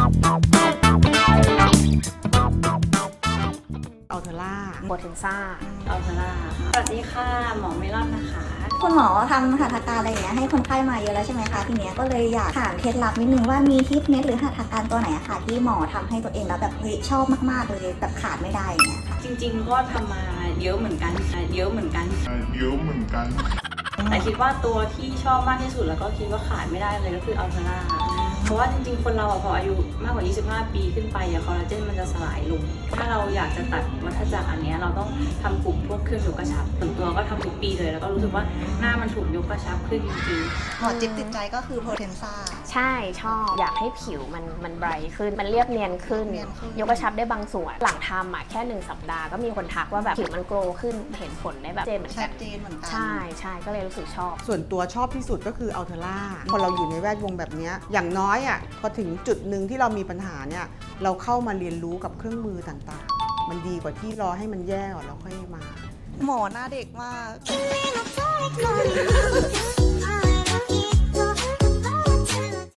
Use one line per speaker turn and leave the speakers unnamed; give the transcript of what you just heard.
อัลเทอร่า
โบเทนซ่า
อัลเทอร่าสวัสดีค่ะหมอเมลอนนะคะ
คุณหมอทำหัตถการอะไรอย่างเงี้ยให้คนไข้มาเยอะแล้วใช่ไหมคะทีเนี้ยก็เลยอยากถามเคล็ดลับนิดนึงว่ามีทิปเม็ดหรือหัตถการตัวไหนอะค่ะที่หมอทำให้ตัวเองแล้วแบบเฮ้ยชอบมากๆเลยแบบขาดไม่ได้อย่างเงี้ยค่ะ
จริงๆก็ทำมาเยอะเหมือนกันแต่คิดว่าตัวที่ชอบมากที่สุดแล้วก็คิดว่าขาดไม่ได้เลยก็คืออัลเทอร่าเพราะว่าจริงๆคนเราพออายุมากกว่า25 ปีขึ้นไปคอลลาเจนมันจะสลายลงถ้าเราอยากจะตัดวัฏจักรอันนี้เราต้องทำกลุ่มพวกเครื่องยกกระชับส่วนตัวก็ทำทุกปีเลยแล้วก็รู้สึกว่าหน้ามันถูกยกกระชับขึ้นจริงๆ
หมอจิ๊บติดใจก็คือโพเทนซ่า
ใช่ชอบอยากให้ผิวมันไบรท์ขึ้นมันเรียบเนียนขึ้น ยกกระชับได้บางส่วนหลังทำแค่1 สัปดาห์ก็มีคนทักว่าแบบผิวมันโกลว์ขึ้นเห็นผลได้แบบเจนเหมือน
ชั
กั
ด
น
เจนเหมือนกัน
ใช่ก็เลยรู้สึกชอบ
ส่วนตัวชอบที่สุดก็คืออัลเทอร่าพอเราอยู่ในแวดวงแบบนี้อย่างน้อยพอถึงจุดหนึ่งที่เรามีปัญหาเนี่ยเราเข้ามาเรียนรู้กับเครื่องมือต่างๆมันดีกว่าที่รอให้มันแย่ก่อนแล้วค่อยมาหมอหน้าเด็กมาก